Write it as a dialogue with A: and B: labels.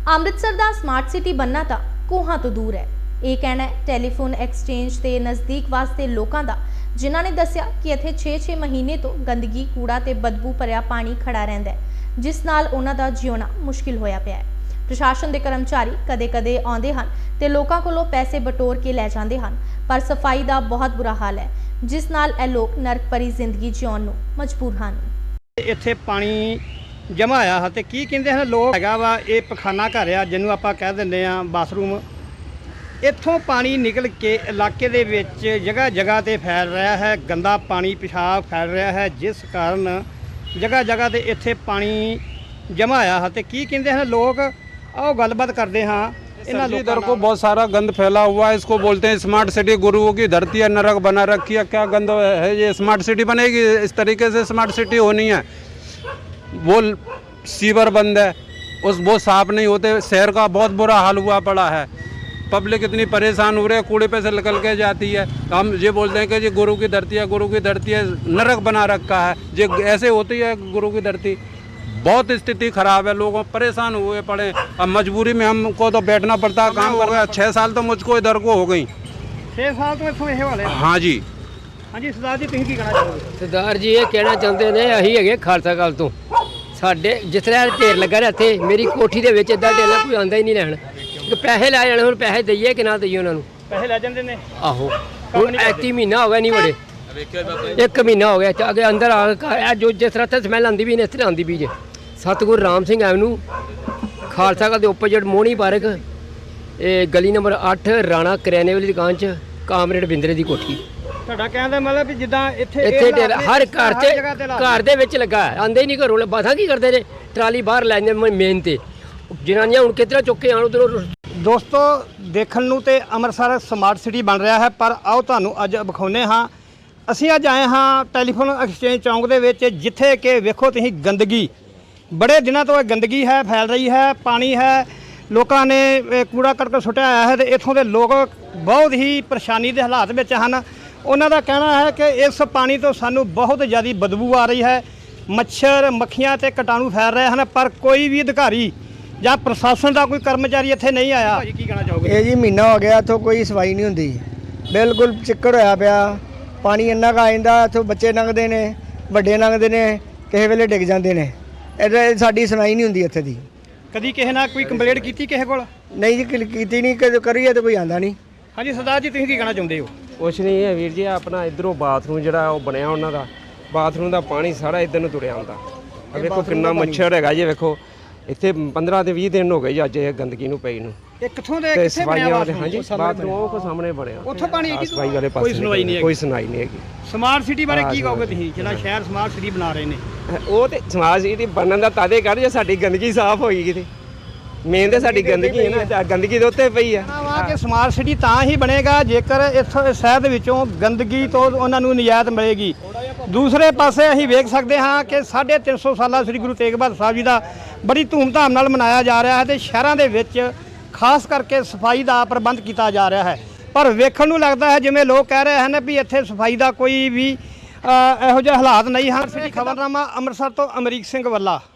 A: ਅੰਮ੍ਰਿਤਸਰ ਦਾ smart city बनना ਤਾਂ ਕੋਹਾਂ ਤੋਂ ਦੂਰ ਹੈ। ਇਹ ਕਹਿਣਾ ਹੈ ਟੈਲੀਫੋਨ ਐਕਸਚੇਂਜ ਦੇ ਨਜ਼ਦੀਕ ਵਸਦੇ ਲੋਕਾਂ ਦਾ, ਜਿਨ੍ਹਾਂ ਨੇ ਦੱਸਿਆ ਕਿ ਇੱਥੇ 6-6 ਮਹੀਨੇ ਤੋਂ ਗੰਦਗੀ, ਕੂੜਾ ਤੇ ਬਦਬੂ ਭਰਿਆ ਪਾਣੀ ਖੜਾ ਰਹਿੰਦਾ ਹੈ, ਜਿਸ ਨਾਲ ਉਹਨਾਂ ਦਾ ਜਿਉਣਾ ਮੁਸ਼ਕਿਲ ਹੋਇਆ ਪਿਆ ਹੈ। ਪ੍ਰਸ਼ਾਸਨ ਦੇ ਕਰਮਚਾਰੀ ਕਦੇ-ਕਦੇ ਆਉਂਦੇ ਹਨ ਤੇ ਲੋਕਾਂ ਕੋਲੋਂ ਪੈਸੇ ਬਟੋਰ ਕੇ ਲੈ ਜਾਂਦੇ ਹਨ, ਪਰ ਸਫਾਈ ਦਾ ਬਹੁਤ ਬੁਰਾ ਹਾਲ ਹੈ, ਜਿਸ ਨਾਲ ਇਹ ਲੋਕ ਨਰਕ ਭਰੀ ਜ਼ਿੰਦਗੀ ਜਿਉਣ ਨੂੰ ਮਜਬੂਰ ਹਨ।
B: ਇੱਥੇ ਪਾਣੀ ਜਮ੍ਹਾਂ ਆਇਆ ਹੈ ਤੇ ਕੀ ਕਹਿੰਦੇ ਹਨ ਲੋਕ ਹੈਗਾ ਵਾ, ਇਹ ਪਖਾਨਾ ਘਰ ਆ ਜਿਹਨੂੰ ਆਪਾਂ ਕਹਿ ਦਿੰਦੇ ਆ ਬਾਥਰੂਮ। ਇੱਥੋਂ ਪਾਣੀ ਨਿਕਲ ਕੇ ਇਲਾਕੇ ਦੇ ਵਿੱਚ ਜਗ੍ਹਾ ਜਗ੍ਹਾ ਤੇ ਫੈਲ ਰਿਹਾ ਹੈ, ਗੰਦਾ ਪਾਣੀ ਪਿਸ਼ਾਬ ਫੈਲ ਰਿਹਾ ਹੈ, ਜਿਸ ਕਾਰਨ ਜਗ੍ਹਾ ਜਗ੍ਹਾ ਤੇ ਇੱਥੇ ਪਾਣੀ ਜਮ੍ਹਾਂ ਆਇਆ ਹੈ ਤੇ ਕੀ ਕਹਿੰਦੇ ਹਨ ਲੋਕ, आओ गलबात करते हाँ।
C: इधर को बहुत सारा गंद फैला हुआ है, इसको बोलते हैं स्मार्ट सिटी, गुरुओं की धरती है, नरक बना रखी है। क्या गंद है ये? स्मार्ट सिटी बनेगी इस तरीके से? स्मार्ट सिटी होनी है। वो सीवर बंद है, वो साफ नहीं होते। शहर का बहुत बुरा हाल हुआ पड़ा है, पब्लिक इतनी परेशान हो रही है, कूड़े पे से निकल के जाती है। हम ये बोलते हैं कि ये गुरु की धरती है, गुरु की धरती है, नरक बना रखा है। ये ऐसे होती है गुरु की धरती। बहुत स्थिति खराब है, लोग परेशान हुए पड़े। अब मजबूरी में हमको तो बैठना पड़ता है, काम कर रहा है। 6 साल तो मुझको इधर को हो गई।
B: 6 साल तो इत्थों ये वाले।
C: हाँ जी।
B: हाँ जी सरदार जी, तुसीं की कहना चाहोगे?
D: सरदार जी ये कहना चाहते ने, अही है खालसा काल तो साडे जिस तरह ढेर लगा रहा थे, मेरी कोठी दे विच इदां ढेर कोई आंदा ही नहीं लैण। पैसे लै जाने, हुण पैसे दईए कि ना दईए उन्हां नूं?
B: पैसे लै जांदे ने।
D: आहो हुण 31 महीना हो गया नहीं बड़े, 1 महीना हो गया अगे अंदर आ जो जिस तरह ते स्मैल आंदी भी ने, इस तरह आंदी भी जे। सतगुरु राम सिंह एवेन्यू खालसा काल दे ओपोजिट मोहनी पार्क, गली नंबर 8, राणा करियाने वाली दुकान च कामरेड बिंदरे दी कोठी।
B: ਤੁਹਾਡਾ ਕਹਿਣ ਦਾ ਮਤਲਬ ਵੀ ਜਿੱਦਾਂ ਇੱਥੇ
D: हर घर ਦੇ ਵਿੱਚ ਲੱਗਾ ਹੈ, ਆਂਦੇ ਹੀ ਨਹੀਂ ਘਰੋਂ। ਬਾਤਾਂ ਕੀ ਕਰਦੇ ਨੇ, ਟਰਾਲੀ ਬਾਹਰ ਲੈ ਜਾਂਦੇ ਮੇਨ ਤੇ, ਜਨਾਨੀਆਂ ਹੁਣ ਕਿਤਨਾ ਚੁੱਕ ਕੇ ਆਣ ਉਧਰੋਂ।
B: ਦੋਸਤੋ ਦੇਖਣ ਨੂੰ ਤੇ ਅੰਮ੍ਰਿਤਸਰ ਸਮਾਰਟ ਸਿਟੀ ਬਣ ਰਿਹਾ ਹੈ, ਪਰ ਆਓ ਤੁਹਾਨੂੰ ਅੱਜ ਵਿਖਾਉਂਦੇ ਹਾਂ। ਅਸੀਂ ਅੱਜ ਆਏ ਹਾਂ ਟੈਲੀਫੋਨ ਐਕਸਚੇਂਜ ਚੌਂਕ ਦੇ ਵਿੱਚ, ਜਿੱਥੇ ਕਿ ਵੇਖੋ ਤੁਸੀਂ ਗੰਦਗੀ, बड़े दिनों तो गंदगी है, फैल रही है, पानी है, लोगों ने कूड़ा करकट सुट्टिया आया है। तो इत्थों के लोग बहुत ही परेशानी के हालात में हैं। उन्हों का कहना है कि इस पानी तो सानू बहुत ज़्यादा बदबू आ रही है, मच्छर मक्खियाँ ते कीटाणु फैल रहे हैं, पर कोई भी अधिकारी या प्रशासन का कोई कर्मचारी इत्थे नहीं आया। की कहना चाहोगे?
E: ये जी महीना हो गया, इत्थों कोई सफाई नहीं होंदी, बिल्कुल चिक्कड़ होया पिया। पानी इन्ना का आइंदा, इत्थों बच्चे लंघदे ने, वड्डे लंघदे ने, किसी वेले डिग जांदे ने। साडी सुनाई नहीं होंदी इत्थे दी।
B: कदी किसी ना कोई कंप्लेंट की किसी कोल?
E: नहीं जी, कीती नहीं, करिए तो कोई आंदा नहीं।
B: हाँ जी सरदार जी, तुसीं की कहना चाहुंदे हो?
D: कुछ नहीं है वीर जी, अपना इधरों बाथरूम जिहड़ा ओह बनया उन्हां दा, बाथरूम दा पानी सारा इधर नूं तुरिया आंदा। वेखो किन्ना मच्छर हैगा जी, वेखो ਇੱਥੇ 15 ਤੇ 20 ਦਿਨ ਹੋ ਗਏ ਜੀ ਅੱਜ ਇਹ ਗੰਦਗੀ ਨੂੰ ਪਈ ਨੂੰ।
B: ਇਹ ਕਿੱਥੋਂ ਦੇ ਕਿੱਥੇ ਬਣਿਆ ਬਾਥਰੂਮ?
D: ਹਾਂਜੀ ਬਾਥਰੂਮ ਉਹ ਕੋ ਸਾਹਮਣੇ ਬਣਿਆ,
B: ਉੱਥੋਂ ਪਾਣੀ ਆਈ
D: ਸਫਾਈ ਵਾਲੇ ਪਾਸੇ
B: ਕੋਈ ਸੁਣਵਾਈ ਨਹੀਂ ਹੈਗੀ।
D: ਕੋਈ ਸੁਣਾਈ ਨਹੀਂ ਹੈਗੀ।
B: ਸਮਾਰਟ ਸਿਟੀ ਬਾਰੇ ਕੀ ਕਹੋਗੇ ਤੁਸੀਂ, ਜਿਹੜਾ ਸ਼ਹਿਰ ਸਮਾਰਟ ਸਿਟੀ ਬਣਾ ਰਹੇ ਨੇ?
D: ਉਹ ਤੇ ਸਮਾਰਟ ਸਿਟੀ ਬਣਨ ਦਾ ਤਾਦੇ ਕਰ ਜੇ ਸਾਡੀ ਗੰਦਗੀ ਸਾਫ਼ ਹੋਏਗੀ ਤੇ ਮੇਨ ਤੇ ਸਾਡੀ ਗੰਦਗੀ ਹੈ ਨਾ, ਗੰਦਗੀ ਦੇ ਉੱਤੇ ਪਈ ਆ।
B: ਕਿ ਸਮਾਰਟ ਸਿਟੀ ਤਾਂ ਹੀ ਬਣੇਗਾ ਜੇਕਰ ਇੱਥੋਂ ਸ਼ਹਿਰ ਦੇ ਵਿੱਚੋਂ ਗੰਦਗੀ ਤੋਂ ਉਹਨਾਂ ਨੂੰ ਨਿਜਾਤ ਮਿਲੇਗੀ। ਦੂਸਰੇ ਪਾਸੇ ਅਸੀਂ ਵੇਖ ਸਕਦੇ ਹਾਂ ਕਿ 350 ਸਾਲਾ ਸ੍ਰੀ ਗੁਰੂ ਤੇਗ ਬਹਾਦਰ ਸਾਹਿਬ ਜੀ ਦਾ ਬੜੀ ਧੂਮਧਾਮ ਨਾਲ ਮਨਾਇਆ ਜਾ ਰਿਹਾ ਹੈ ਤੇ ਸ਼ਹਿਰਾਂ ਦੇ ਵਿੱਚ ਖਾਸ ਕਰਕੇ ਸਫਾਈ ਦਾ ਪ੍ਰਬੰਧ ਕੀਤਾ ਜਾ ਰਿਹਾ ਹੈ, ਪਰ ਵੇਖਣ ਨੂੰ ਲੱਗਦਾ ਹੈ ਜਿਵੇਂ ਲੋਕ ਕਹਿ ਰਹੇ ਹਨ ਵੀ ਇੱਥੇ ਸਫਾਈ ਦਾ ਕੋਈ ਵੀ ਇਹੋ ਜਿਹੇ ਹਾਲਾਤ ਨਹੀਂ ਹਨ। ਖਬਰਨਾਮਾ ਅੰਮ੍ਰਿਤਸਰ ਤੋਂ ਅਮਰੀਕ ਸਿੰਘ ਵੱਲਾ।